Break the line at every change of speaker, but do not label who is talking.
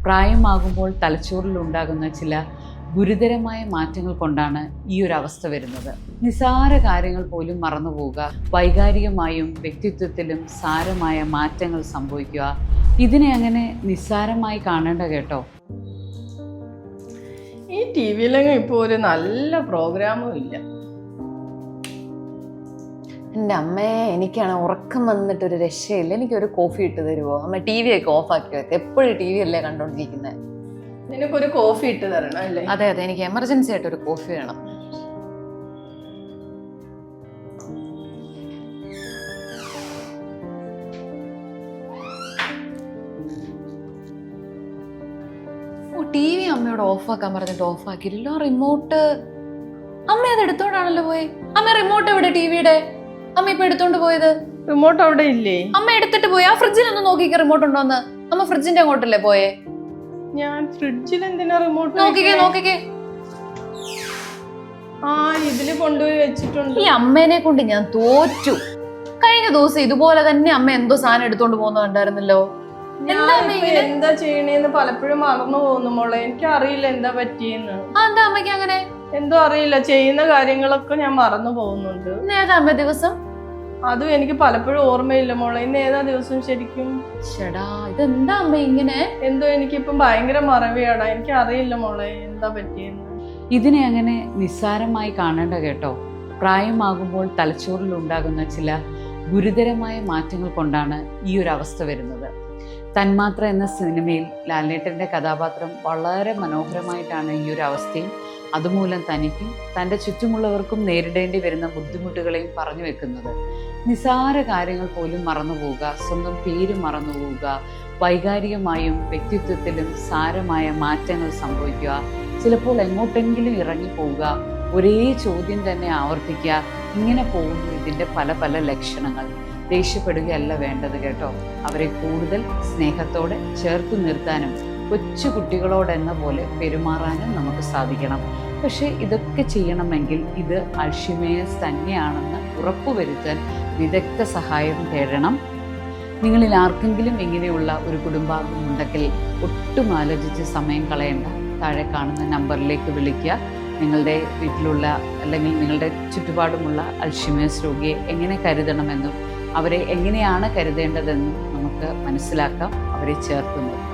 പ്രായമാകുമ്പോൾ തലച്ചോറിലുണ്ടാകുന്ന ചില ഗുരുതരമായ മാറ്റങ്ങൾ കൊണ്ടാണ് ഈ ഒരു അവസ്ഥ വരുന്നത്. നിസ്സാര കാര്യങ്ങൾ പോലും മറന്നുപോവുക, വൈകാരികമായും വ്യക്തിത്വത്തിലും സാരമായ മാറ്റങ്ങൾ സംഭവിക്കുക, ഇതിനെ അങ്ങനെ നിസ്സാരമായി കാണേണ്ട കേട്ടോ.
ഈ ടി വിയിലെങ്കിൽ ഇപ്പോൾ ഒരു നല്ല പ്രോഗ്രാമും ഇല്ല.
എൻ്റെ അമ്മയെ എനിക്കാണ് ഉറക്കം വന്നിട്ടൊരു രക്ഷയില്ല. എനിക്കൊരു കോഫി ഇട്ട് തരുമോ? അമ്മ ടി വി ഒക്കെ ഓഫാക്കി വെക്കുക. എപ്പോഴും ടി വി അല്ലേ കണ്ടോണ്ടിരിക്കുന്നത്.
നിനക്കൊരു കോഫി ഇട്ട് തരണം അല്ലേ?
അതെ അതെ, എനിക്ക് എമർജൻസി ആയിട്ട് ഒരു കോഫി വേണം. ടി വി അമ്മയോട് ഓഫാക്കാൻ പറഞ്ഞിട്ട് ഓഫാക്കിയില്ല. റിമോട്ട് അമ്മ അത് എടുത്തോണ്ടാണല്ലോ പോയി. അമ്മ റിമോട്ട് എവിടെ ടിവിയുടെ? അമ്മ ഇപ്പൊ എടുത്തോണ്ട് പോയത്?
റിമോട്ട് അവിടെ ഇല്ലേ?
അമ്മ എടുത്തിട്ട് പോയി. ആ ഫ്രിഡ്ജിലൊന്ന് നോക്കിക്ക റിമോട്ട് ഉണ്ടോന്ന്. അമ്മ ഫ്രിഡ്ജിന്റെ അങ്ങോട്ടല്ലേ പോയേ?
ഞാൻ ഫ്രിഡ്ജിൽ എന്തിനാ റിമോട്ട്?
നോക്കിക്കേ.
ആ, ഇതില് കൊണ്ടുപോയി വെച്ചിട്ടുണ്ട്.
ഈ അമ്മേനെ കൊണ്ട് ഞാൻ തോറ്റു. കഴിഞ്ഞ ദിവസം ഇതുപോലെ തന്നെ അമ്മ എന്തോ സാധനം എടുത്തോണ്ട് പോകുന്ന കണ്ടായിരുന്നല്ലോ.
എന്താ ചെയ്യണേന്ന് പലപ്പോഴും മറന്നു പോകുന്നു മോളെ. എനിക്ക് അറിയില്ല എന്താ പറ്റിയെന്ന്.
എന്താ അമ്മയ്ക്ക് അങ്ങനെ?
എന്തോ അറിയില്ല, ചെയ്യുന്ന കാര്യങ്ങളൊക്കെ ഞാൻ മറന്നു പോകുന്നുണ്ട്.
ഏതാ അമ്മ ദിവസം?
അതും എനിക്ക് പലപ്പോഴും ഓർമ്മയില്ല മോളെ. ഇന്ന് ഏതാ ദിവസം ശരിക്കും?
ചേടാ, ഇതെന്താ അമ്മ ഇങ്ങനെ?
എന്തോ എനിക്കിപ്പം ഭയങ്കര മറവിയാടാ. എനിക്ക് അറിയില്ല മോളെ എന്താ പറ്റിയെന്ന്.
ഇതിനെ അങ്ങനെ നിസ്സാരമായി കാണേണ്ട കേട്ടോ. പ്രായമാകുമ്പോൾ തലച്ചോറിലുണ്ടാകുന്ന ചില ഗുരുതരമായ മാറ്റങ്ങൾ കൊണ്ടാണ് ഈ ഒരു അവസ്ഥ വരുന്നത്. തന്മാത്ര എന്ന സിനിമയിൽ ലാലേട്ടൻ്റെ കഥാപാത്രം വളരെ മനോഹരമായിട്ടാണ് ഈ ഒരു അവസ്ഥയും അതുമൂലം തനിക്കും തൻ്റെ ചുറ്റുമുള്ളവർക്കും നേരിടേണ്ടി വരുന്ന ബുദ്ധിമുട്ടുകളെയും പറഞ്ഞു വെക്കുന്നത്. നിസ്സാര കാര്യങ്ങൾ പോലും മറന്നുപോവുക, സ്വന്തം പേര് മറന്നുപോവുക, വൈകാരികമായും വ്യക്തിത്വത്തിലും സാരമായ മാറ്റങ്ങൾ സംഭവിക്കുക, ചിലപ്പോൾ എങ്ങോട്ടെങ്കിലും ഇറങ്ങിപ്പോവുക, ഒരേ ചോദ്യം തന്നെ ആവർത്തിക്കുക, ഇങ്ങനെ പോകുന്നു ഇതിൻ്റെ പല പല ലക്ഷണങ്ങൾ. ദേഷ്യപ്പെടുകയല്ല വേണ്ടത് കേട്ടോ. അവരെ കൂടുതൽ സ്നേഹത്തോടെ ചേർത്ത് നിർത്താനും കൊച്ചു കുട്ടികളോടെന്ന പോലെ പെരുമാറാനും നമുക്ക് സാധിക്കണം. പക്ഷേ ഇതൊക്കെ ചെയ്യണമെങ്കിൽ ഇത് അൽഷിമേഴ്സ് തന്നെയാണെന്ന് ഉറപ്പുവരുത്താൻ വിദഗ്ധ സഹായം തേടണം. നിങ്ങളിൽ ആർക്കെങ്കിലും ഇങ്ങനെയുള്ള ഒരു കുടുംബാംഗം ഉണ്ടെങ്കിൽ ഒട്ടും ആലോചിച്ച് സമയം കളയേണ്ട. താഴെ കാണുന്ന നമ്പറിലേക്ക് വിളിക്കുക. നിങ്ങളുടെ വീട്ടിലുള്ള അല്ലെങ്കിൽ നിങ്ങളുടെ ചുറ്റുപാടുമുള്ള അൽഷിമേഴ്സ് രോഗിയെ എങ്ങനെ കരുതണമെന്നും അവരെ എങ്ങനെയാണ് കരുതേണ്ടതെന്നും നമുക്ക് മനസ്സിലാക്കാം. അവരെ ചേർത്ത് നിർത്താം.